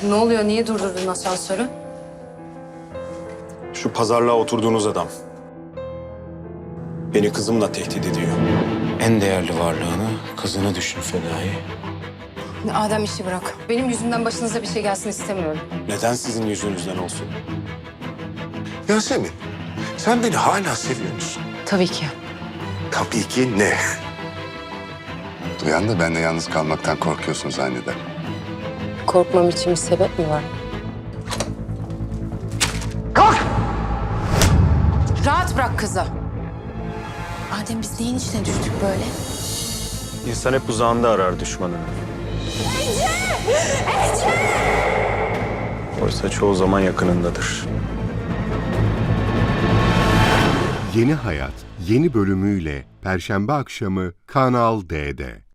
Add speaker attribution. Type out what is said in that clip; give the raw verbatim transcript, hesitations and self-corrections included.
Speaker 1: Ne oluyor? Niye durdurdun asansörü?
Speaker 2: Şu pazarlığa oturduğunuz adam beni kızımla tehdit ediyor. En değerli varlığını, kızını düşün Fedai.
Speaker 1: Adem işi bırak. Benim yüzümden başınıza bir şey gelsin istemiyorum.
Speaker 2: Neden sizin yüzünüzden olsun?
Speaker 3: Yasemin, sen beni hala seviyor musun?
Speaker 1: Tabii ki.
Speaker 3: Tabii ki ne?
Speaker 4: Duyan da ben de yalnız kalmaktan korkuyorsun zanneder.
Speaker 1: Korkmam için bir sebep mi var?
Speaker 3: Kalk!
Speaker 1: Rahat bırak kızı.
Speaker 5: Adem biz neyin içine düştük böyle?
Speaker 2: İnsan hep uzağında arar düşmanını. Ece! Ece! Oysa çoğu zaman yakınındadır.
Speaker 6: Yeni Hayat yeni bölümüyle Perşembe akşamı Kanal D'de.